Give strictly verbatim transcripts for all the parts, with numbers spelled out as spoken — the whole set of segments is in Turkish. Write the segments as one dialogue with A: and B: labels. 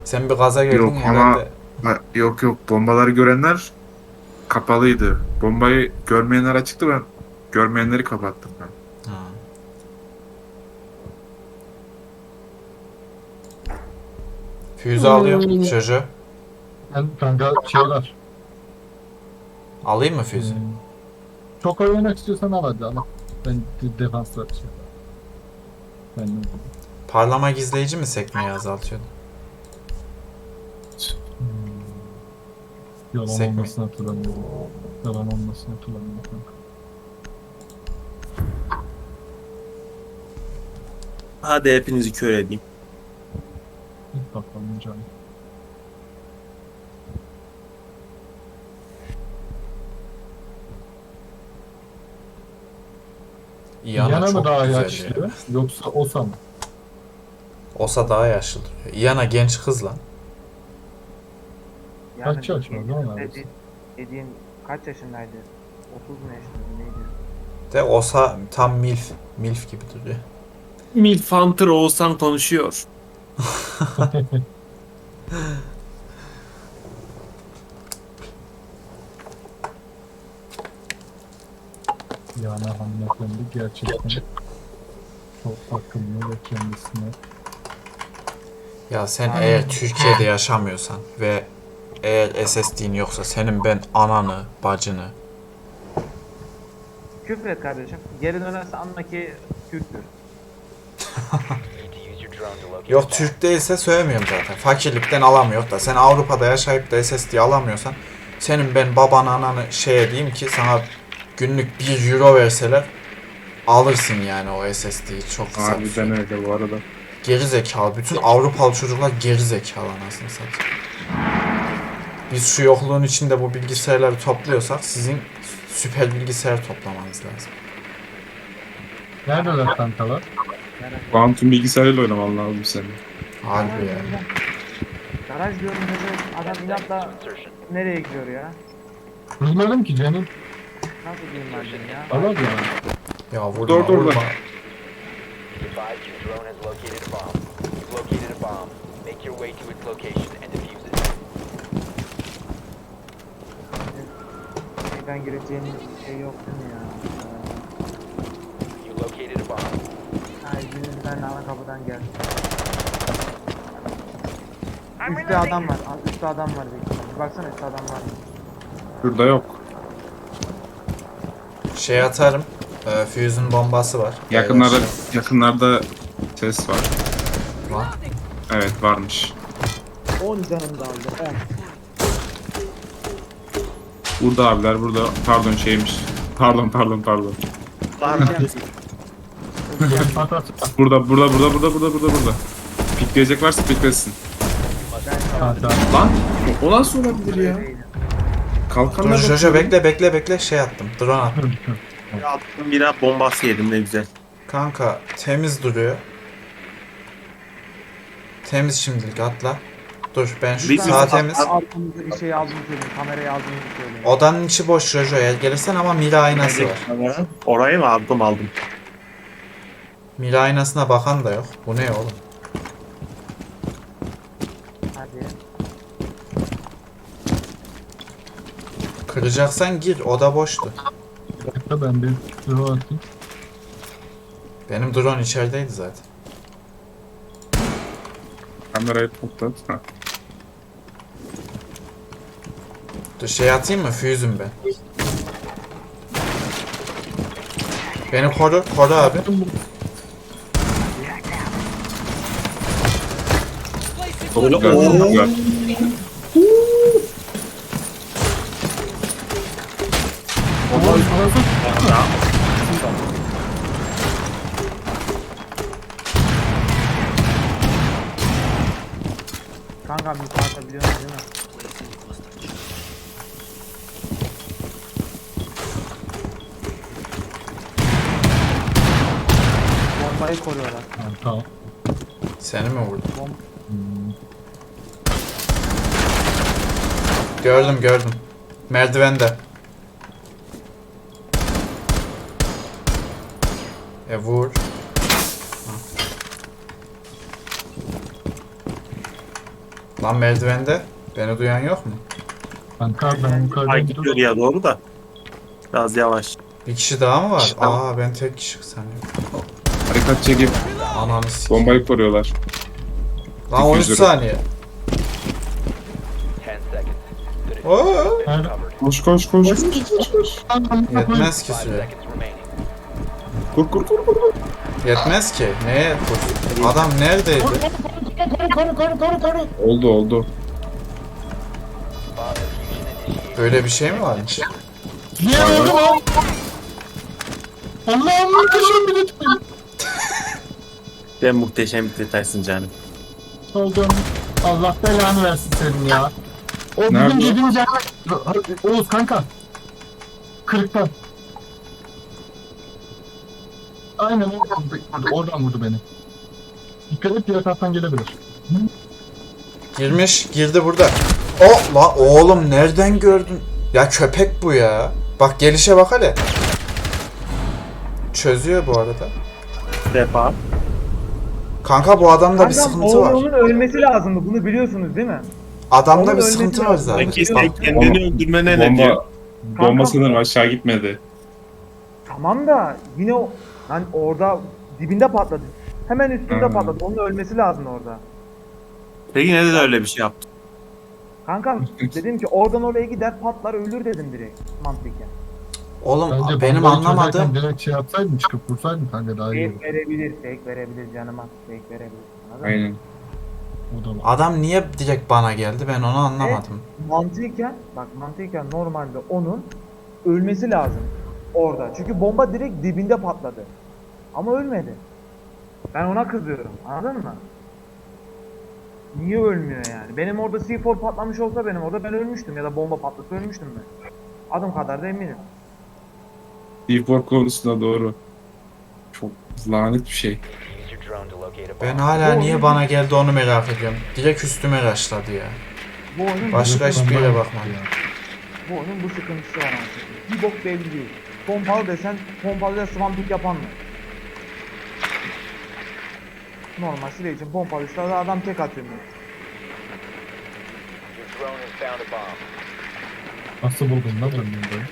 A: Sen bir gaza geldin
B: Yok ama
A: herhalde.
B: ha, yok yok bombaları görenler kapalıydı. Bombayı görmeyenler açıktı, ben görmeyenleri kapattım ben.
A: Ha. Füze alıyorum. Jojo.
C: Ben kanka şey var.
A: Alayım mı
C: Ee,
A: füze?
C: çok oynamak istiyorsan al hadi ama. Ben de defans yapacağım. Ben de.
A: Parlama gizleyici mi sekmeyi azaltıyordu?
C: Hmm. Yalan
A: Sekme.
C: olmasını hatırlamıyorum. Yalan olmasını hatırlamıyorum kanka.
D: Hadi hepinizi kör edeyim.
C: İlk bakalım canım.
A: İyana
C: Yana mı
A: çok
C: daha
A: güzel
C: yaşlı
A: ya.
C: yoksa Osa mı?
A: Osa daha yaşlı duruyor. İyana genç kız lan.
E: Yani
C: Kaç yaş var lan abi?
E: dediğin, dediğin kaç yaşındaydı? otuz mu yaşındaydı neydi?
A: De Osa tam milf. Milf gibi duruyor.
D: Milf Hunter Oğuzhan konuşuyor.
C: Yani hanımefendi gerçekten çok bakımlı ve kendisine
A: Ya sen eğer Türkiye'de yaşamıyorsan ve eğer S S D'in yoksa senin ben ananı, bacını.
E: Küfür et kardeşim. Geri dönerse anla ki Türktür.
A: Yok Türk değilse söylemiyorum zaten. Fakirlikten alamıyor da. Sen Avrupa'da yaşayıp da S S D alamıyorsan senin ben baban ananı şey diyeyim ki sana günlük bir euro verseler alırsın yani o S S D'yi çok kısa bir süre.
B: Harbiden öyle bu arada.
A: Geri zekalı. Bütün Avrupalı çocuklar geri zekalı anasını satayım. Biz şu yokluğun içinde bu bilgisayarları topluyorsak sizin süper bilgisayar toplamanız lazım.
C: neredeler kankalar?
B: Quantum bilgisayarıyla oynaman lazım senin.
A: Harbi ya.
E: Garaj diyorum dedi. Adam inatla nereye gidiyor ya?
C: Bilmiyorum ki canım.
E: Nasıl diyeyim ben diyeyim ya?
C: Allah ya.
A: Ya vurma
B: Dur, dur, dur.
A: vurma.
F: Be advised your drone has located a bomb. You've located a bomb. Make your way to its location and defuse it.
E: Neyden gireceğim şey yok değil mi ya?
F: You located a bomb.
E: Ay yüzünden ana kapıdan geldi. Üstte adam var. Üstte adam var büyük ihtimalle. Baksana üstte adam var.
B: Şurada yok.
A: Şey atarım. E, Fuse'un bombası var.
B: Yakınlarda
A: Beyler,
B: yakınlarda ses var.
A: şey var.
B: Evet varmış.
E: on canım da aldı. on.
B: Burada abiler burada. Pardon şeymiş. Pardon pardon pardon.
C: At at.
B: Burada burada burada burada burada burada burada. Pikleyecek varsa piklesin.
C: At at.
B: Lan o o nasıl olabilir ya?
A: Dur
B: Kalkanlar
A: Jojo bekle bekle bekle şey attım. Drone attım.
D: Attım bir bombası yedim ne güzel.
A: Kanka temiz duruyor. Temiz şimdilik atla. Dur ben şu
D: Bir-
A: sağ
D: bir-
A: temiz.
E: Arkamızda bir şey aldığını söyleyeyim. Kamerayı aldığını söyleyeyim.
A: Odanın içi boş Jojo eğer gelirsen ama mira aynası var.
D: Orayı mı aldım aldım.
A: Mira aynasına bakan da yok. Bu ne oğlum?
E: Hadi.
A: Kıracaksan gir oda boştu.
C: Bir dakika ben bir drone atayım.
A: Benim drone içerideydi zaten.
B: kamerayı toplat. Ha.
A: Dur şey atayım mı? Fuse'üm ben. Beni koru, koru abi.
B: Çok
D: Öyle
B: güzel,
D: oo.
B: çok güzel.
E: Kanka bir atabiliyorsun değil mi? Bombayı koruyorlar.
C: Ha, tamam.
A: Seni mi vurdum?
C: Hmm.
A: Gördüm gördüm. Merdivende. E vur. Ha. Lan merdivende. Beni duyan yok mu?
C: Kanka ben yukarıdan
D: Ay
C: gidiyorum.
D: gidiyor ya doğru da. Biraz yavaş.
A: Bir kişi daha mı var?
D: kişi daha.
A: Aa ben tek kişi sanıyorum.
B: Harekat çekip
A: Ananı s***.
B: bombayı koruyorlar.
A: Lan on üç
B: iki yüz lira.
A: saniye.
F: ten seconds. The
A: Oo.
F: diffuser has been
C: Nerede?
F: recovered.
B: Koş koş koş. koş, koş.
A: Yetmez ki
F: Five
A: süre.
F: seconds remaining.
B: Kur kur kur kur.
A: Yetmez ki. Neye koşuyor? Adam neredeydi?
C: Koru koru koru koru.
B: Oldu oldu.
F: Bomb diffusion initiated.
A: Böyle bir şey mi varmış?
C: Niye öldüm lan? Allah'ım muhteşem bir detay.
D: Sen muhteşem bir detaysın canım.
C: Oldum. Allah belanı versin senin ya. O bizim
B: Nerede?
C: yediğimiz yer... Oğuz kanka. Kırıktan. Aynen oradan vurdu, oradan vurdu beni. Dikkat et diğer taraftan gelebilir.
A: Girmiş, girdi burada. O la oğlum nereden gördün? Ya köpek bu ya. Bak gelişe bak hele. Çözüyor bu arada.
D: Defa.
A: Kanka bu adamda bir
E: Kankam,
A: sıkıntı var.
E: oğlunun ölmesi lazımdı. Bunu biliyorsunuz değil mi?
A: Adamda
E: onun
A: bir
E: ölmesi
A: sıkıntı var
E: lazım.
A: zaten.
D: Peki sen kendini öldürmene ne
B: Bomba,
D: diyor?
B: bomba
E: Kanka-
B: sanırım aşağı gitmedi.
E: Tamam da yine o lan orada dibinde patladı. Hemen üstünde
B: Hmm.
E: patladı. Onun ölmesi lazım orada.
D: Peki neden öyle bir şey yaptın?
E: Kankam dedim ki oradan oraya gider patlar ölür dedim direkt mantıken.
A: Oğlum
C: Bence
A: benim
C: bombayı
A: anlamadığım
C: çözerken direkt şey yapsaydın çıkıp vursaydın kanka daha iyi
E: Fake
C: olur.
E: verebilir, fake verebilir canıma. Fake verebilir. Anladın mı?
B: Aynen.
C: O da var.
A: adam niye direkt bana geldi ben onu anlamadım.
E: Mantıken bak mantıken normalde onun ölmesi lazım orada. Çünkü bomba direkt dibinde patladı. Ama ölmedi. Ben ona kızıyorum. Anladın mı? Niye ölmüyor yani? Benim orada C dört patlamış olsa benim orada ben ölmüştüm ya da bomba patlasa ölmüştüm ben. Adım kadar da eminim.
B: D four konusunda doğru. Çok lanet bir şey.
F: Use your drone to locate a bomb.
A: Ben hala
E: Bu
A: niye
E: oyun-
A: bana geldi onu merak ediyorum. Direkt üstüme raşladı ya.
E: Bu oyunun
A: Başka hiçbir yere bakmadım.
E: bu oyunun bu sıkıntısı var aslında. Bir bok belli değil. Pompalı desen pompalı da swamping yapan mı? Normal silah için pompalıysa da adam tek atıyor.
F: Your drone has found a bomb.
C: Nasıl buldun lan ben bunu?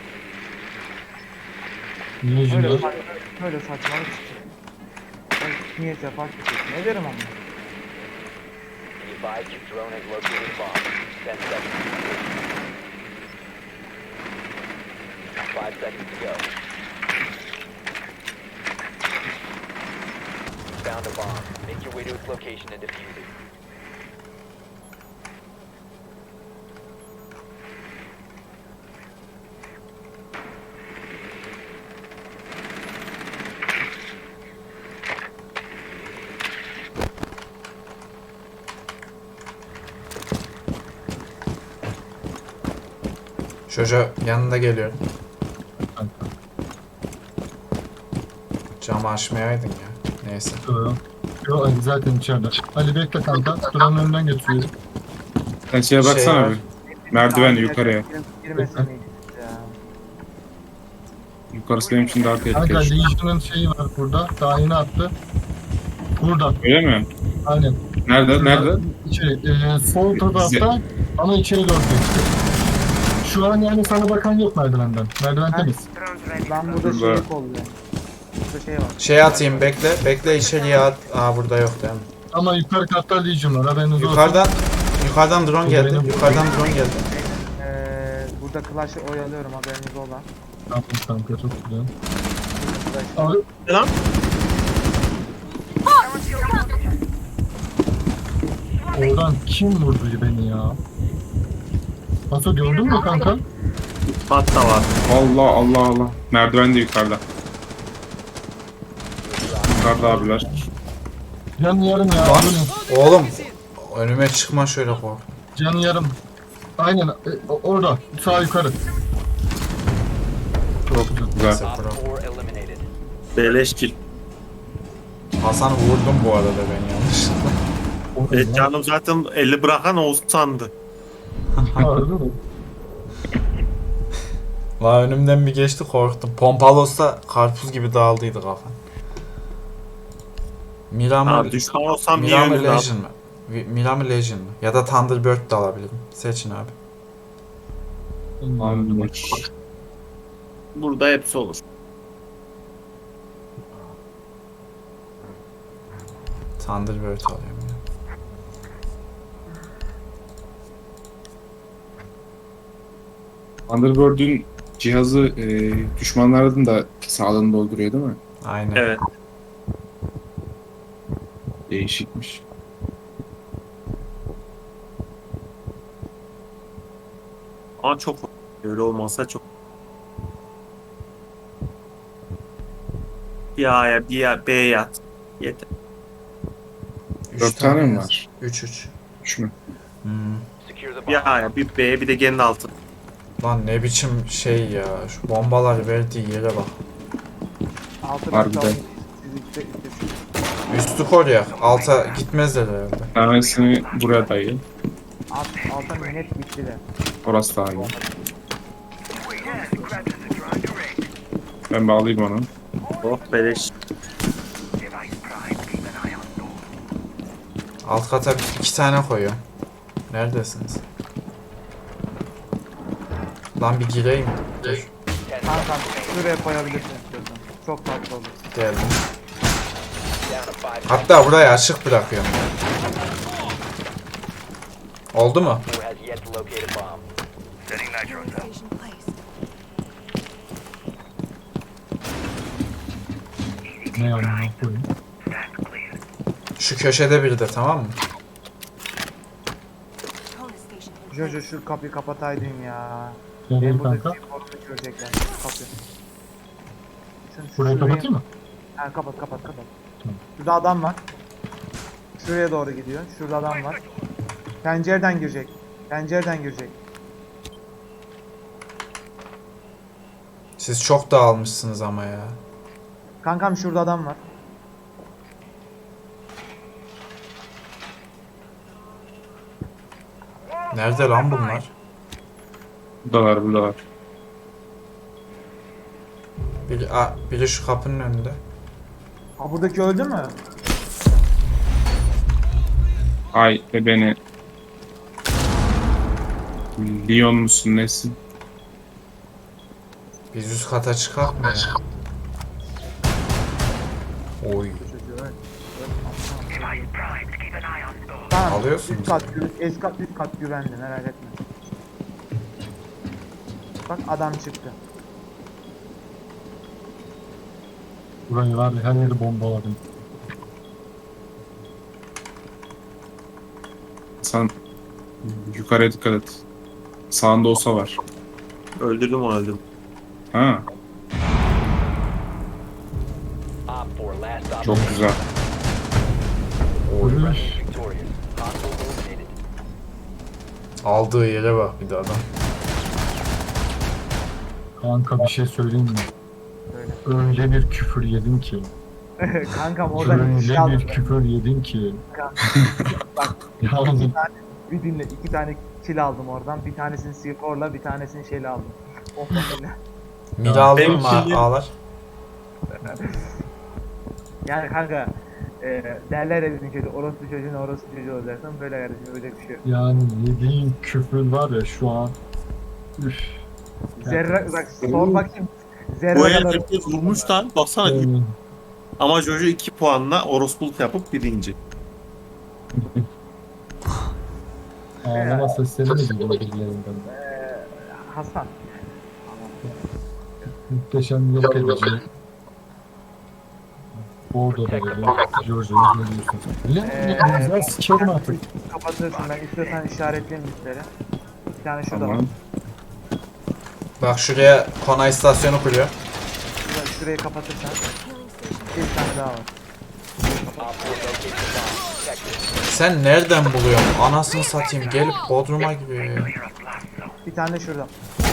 C: Niye
E: Böyle,
C: yüzünden?
E: sa- böyle saçmalık çıkıyor. Ben niyeyse fark ettim. Ne derim ama?
F: Be advised your drone has located a bomb. ten seconds. five seconds to go. You found a bomb. Make your way to its location and defuse it.
A: Çocuğa yanında geliyor.
C: Kanka.
A: Camı açmayaydın ya. Neyse.
C: Yo, yo, Ali zaten içeride. Ali bekle kanka. Duranın önünden getiriyorum.
B: Sen şeye
A: Şey
B: baksana
A: var.
B: bir. Merdiven yukarıya.
E: Girmesin miydi ya?
B: Yukarısı benim için daha
C: Kanka
B: tehlikeli.
C: Legion'ın şeyi var burada. Daha yeni attı. Burada.
B: Öyle mi?
C: Aynen.
B: Nerede? Nerede?
C: İçeri. E, sol tarafta ama içeri doğru geçti. Şu an yani sana bakan yok merdivenden. Merdiven temiz.
E: Ben burada
B: Şurada.
E: şey kolluyorum. Burada şey var.
A: Şey atayım bekle. Bekle içeriye at. Aa burada yok değil mi?
C: Ama yukarı katta Legion var. Haberiniz olsun.
A: Yukarıdan yukarıdan drone geldi. Yukarıdan drone geldi.
E: Ee, burada Clash'ı oyalıyorum haberiniz olan.
C: Tamam kanka çok güzel.
E: Clash.
C: Abi
D: Ne lan?
C: oradan kim vurdu beni ya? Nasıl gördün mü kanka?
D: Hatta var.
B: Allah Allah Allah. Merdiven de yukarıda. Yukarıda abiler.
C: Canı yarım ya.
A: Lan
C: bu ne?
A: oğlum önüme çıkma şöyle kork.
C: Canı yarım. Aynen e, o- orada. Sağ yukarı. Çok güzel.
B: Güzel.
A: Neyse,
F: Op
A: bro.
F: four eliminated.
D: Beleş kill.
A: Hasan'ı vurdum bu arada ben yanlışlıkla.
C: Orada
D: Evet
C: lan.
D: canım zaten eli bırakan Oğuz sandı.
C: Harbi mi?
A: La önümden bir geçti korktum. Pompalı olsa karpuz gibi dağıldıydı kafan. Mira mı?
D: Abi düşman olsam niye
A: Mira mı
D: öyle abi?
A: Legion mı? Vi- Mira mı Legion mu? Ya da Thunderbird de alabilirim. Seçin abi.
B: Anladım.
D: Burada hepsi olur.
A: Thunderbird alıyorum ya.
B: Thunderbird'ün cihazı e, düşmanların da sağlığını dolduruyor değil mi?
A: Aynen.
D: Evet.
B: Değişikmiş.
D: Ama çok öyle olmazsa çok. Bir A'ya bir A, B'ye yat. Yeter.
A: Üç
B: Dört tane mi
A: yaz.
B: var?
A: Üç üç.
B: Üç mü?
A: Hmm.
F: Secure the bomb.
D: Bir A'ya bir B'ye bir de genin altı.
A: Lan ne biçim şey ya. Şu bombalar verdiği yere bak.
E: Altı
B: Harbiden.
E: ben Siz üstte üstte.
A: Üstü koruyak. Alta gitmezler herhalde.
B: Bir tanesini buraya dayı.
E: Alt, alta net gitti de.
B: Orası daha iyi. Ben bağlayayım onu.
D: Oh beleş.
A: Alt kata iki tane koyuyorum. Neredesiniz? Lan bir gireyim. Dur.
F: Ten
E: Kankam
F: seconds
E: şuraya koyabilirsin istiyorsan. Çok tatlı olur.
A: Geldim.
F: down to five.
A: Hatta burayı açık bırakıyorum. Oldu mu?
F: Four has yet to locate a bomb.
G: Station placed.
C: Ne yanına koyayım?
A: Şu köşede biri de, tamam mı?
G: Bonus station in
E: Jojo
G: place.
E: şu kapıyı kapataydın ya.
C: Gel
E: Benim
C: gel
E: burada
C: kanka.
E: sigorta görecekler. Kapı. Şunu
C: Burayı
E: şuraya-
C: kapatayım mı?
E: Ha, kapat kapat kapat.
C: Tamam.
E: Şurada adam var. Şuraya doğru gidiyor. Şurada adam var. Pencereden girecek. Pencereden girecek.
A: Siz çok dağılmışsınız ama ya.
E: Kankam şurada adam var.
A: Nerede lan bunlar?
B: Buradalar buradalar.
A: Biri, a, biri şu kapının önünde.
E: Ha, buradaki öldü mü?
B: Ay ve beni. Leon musun nesin?
A: Biz üst kata çıkak mı ya? Oy.
E: Çocuğu öl. Tamam.
A: Alıyorsunuz
E: Üst kat, gü- üst kat, üst kat güvenli, merak etme. Bak adam çıktı.
C: Burayı var ya, her yeri bombaladım.
B: Sen yukarıya dikkat et. Sağında olsa var.
D: Öldürdüm onu öldürdüm.
B: Ha,
F: Op four last op.
B: çok güzel.
A: Oy.
F: Friendly victorious. Hostile eliminated.
A: Aldığı yere bak bir de adam.
C: Kanka bir şey söyleyeyim mi?
E: Öyle.
C: Öyle bir küfür yedim ki.
E: Kankam oradan
C: Öyle
E: şey aldım.
C: bir küfür yedim ki.
E: Bak
C: Yani
E: bir dinle, iki tane kill aldım oradan. Bir tanesini skorla, bir tanesini şeyle aldım. Oh öyle.
A: Mira alayım
D: benim
A: mı
D: şimdi-
A: ağlar?
E: Yani kanka e, derler ya bizim çocuğu, orospu çocuğun orospu çocuğu olacaksın. Böyle kardeşim, öyle bir şey yok.
C: yani yediğin küfür var ya şu an. Üf.
E: Zerre, bak sor bakayım. Zerre
D: Bu el
E: kadar.
D: herkes vurmuş lan. Baksana.
C: Yani,
D: Ama Jojo iki puanla orospuluk yapıp birinci.
C: ağlama sesleri mi geliyor birilerinden?
E: E, Hasan.
C: Muhteşem yok edici. Orada da böyle George'u izliyorsun sen. Lan
E: Ee,
C: güzel sikerim artık.
E: Kapatırsın, ben istiyorsan işaretleyeyim üstleri. Bir tane şurada var.
B: Tamam.
A: Bak şuraya Kona istasyonu kuruyor.
E: Şurada, şurayı kapatırsan
G: Healing station.
E: bir tane daha var.
F: Op four located the bomb. Protect it.
A: Sen nereden buluyorsun? Anasını satayım, gelip Bodrum'a giriyor ya.
E: Bir tane de şurada.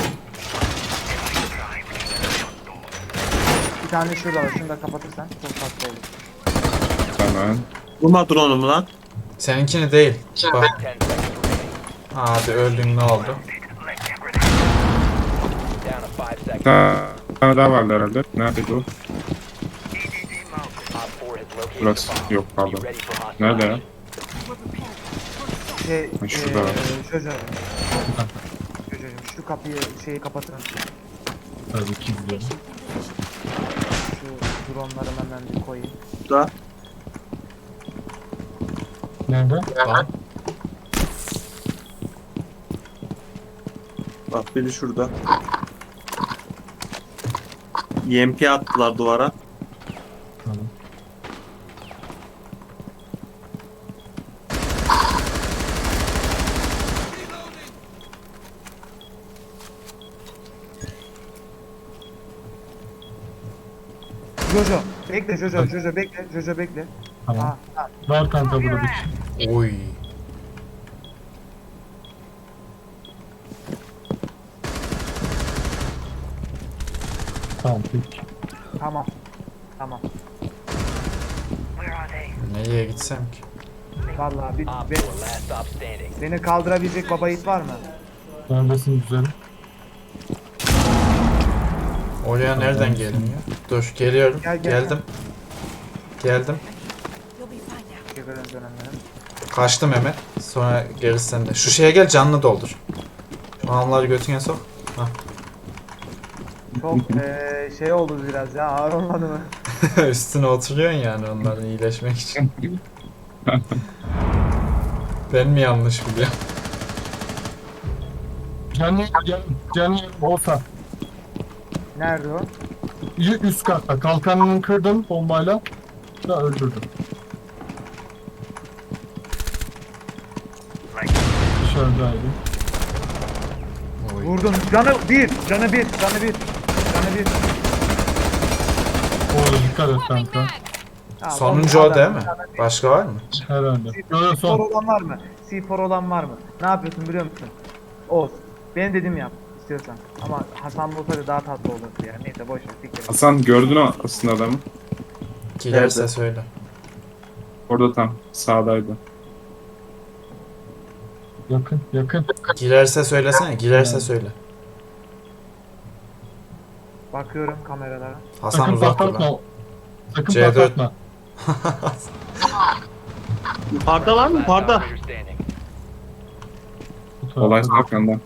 E: Bir tane de şurada var. Şunu da kapatırsan çok tatlı olur.
B: Tamam.
D: Vurma drone'umu lan.
A: Seninkini değil. Bak.
F: Ten seconds remaining.
A: Hadi öldün, ne oldu?
F: Down to five
B: Bir
F: seconds.
B: tane daha vardı herhalde. Neredeydi o?
F: Op four has located
B: Burası.
F: the bomb.
B: Yok
F: Be
B: pardon.
F: ready for hostile
B: Nerede ya?
F: action.
G: We're prepared.
E: Şey,
B: Ha, şurada
E: eee,
B: var.
E: Jojo. Jojo'cum şu kapıyı şeyi kapatın.
C: Tabii ki biliyorum.
E: Şu dronları hemen bir koyayım.
D: Da.
C: Nerede?
A: Lan.
D: Bak biri şurada. Y M P attılar duvara.
C: Tamam.
E: Jojo, bekle Jojo, Jojo bekle, Jojo bekle.
C: Tamam.
E: Ha, ha.
C: Var kanka burada bir.
A: Oy.
C: Tamam peki.
E: Tamam. Tamam.
A: Nereye gitsem ki?
E: Vallahi bir,
F: Op
E: be-
F: four, last stop standing.
E: beni kaldırabilecek baba yiğit var mı?
C: Neredesin güzelim?
A: Oraya nereden geliniyor? Dur geliyorum.
E: Gel, gel,
A: Geldim. Geldim.
G: You'll be fine now.
E: Teşekkür ederim dönemlerim.
A: Kaçtım hemen. Sonra gerisi sende. Şu şeye gel canlı doldur. Şu anları götüne sok.
E: Çok eee şey oldu biraz ya, ağır olmadı mı?
A: Üstüne oturuyorsun yani onların iyileşmek için. Ben mi yanlış biliyorum?
C: Canlı can, canlı olsa.
E: Nerede o?
C: Y- Üst katta kalkanını kırdım bombayla da öldürdüm. Dışarıdaydı.
A: Oy.
E: Vurdum. Canı bir, canı bir, canı bir, canı bir.
C: Orada dikkat et kanka.
E: Ha,
A: Sonuncu
E: onun
A: o değil
E: adam-
A: mi? Başka var mı?
C: Herhalde.
E: C
C: Yo yo
E: four
C: son.
E: olan var mı? C four olan var mı? Ne yapıyorsun biliyor musun? Oğuz. Benim dediğimi yap istiyorsan. Ama Hasan olsaydı daha tatlı olurdu ya. Neyse boş ver. siktir et.
B: Hasan gördün o aslında adamı.
A: Girerse
D: Nerede?
A: söyle.
B: Orada tam sağdaydı.
C: Yakın yakın.
A: Girerse söylesene. Girerse söyle.
E: Bakıyorum kameralara.
A: Hasan
C: Sakın
A: uzak dur
C: patlatma.
A: lan.
C: Sakın
A: C dört.
C: patlatma.
D: Yukarıda var mı?
F: Last
D: Yukarıda.
F: operator standing.
C: Bu tarafta.
B: Olay arkandan.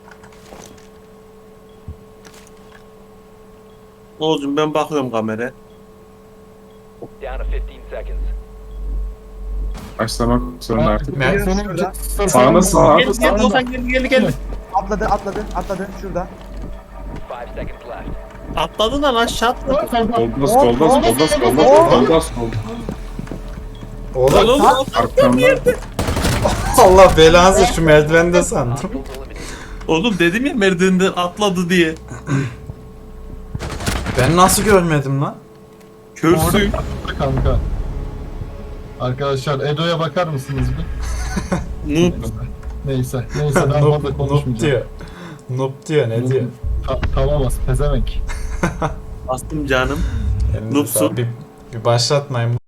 D: Oğuzcum ben bakıyorum kameraya.
F: Down to fifteen seconds.
B: Başlamak zorunda artık.
A: Me-
C: Senin
E: Şurada.
C: sağ-
B: Sağına sağa.
D: Gel gel Oğuzhan gel gel gel.
E: Atladı atladı atladı şurada.
F: Five seconds left.
D: Atladı lan aşağı atladı.
B: Solda solda solda solda solda solda.
A: Oğlum
D: Oğlum
B: Arkamda.
A: Allah belanızı şu merdivende sandım.
F: Hostiles eliminated.
D: Oğlum dedim ya merdivenden atladı diye.
A: Ben nasıl görmedim lan?
D: Körsüyüm.
C: Orada kanka. Arkadaşlar Edo'ya bakar mısınız bir?
D: Noob.
C: Neyse. Neyse ben
A: Noob,
C: fazla
A: noob
C: konuşmayacağım.
A: diyor. Noob diyor ne diyor?
C: Ta tamam az pezevenk.
D: Bastım canım.
A: Elinize
D: Noobsun.
A: sağlık. Bir, bir başlatmayın.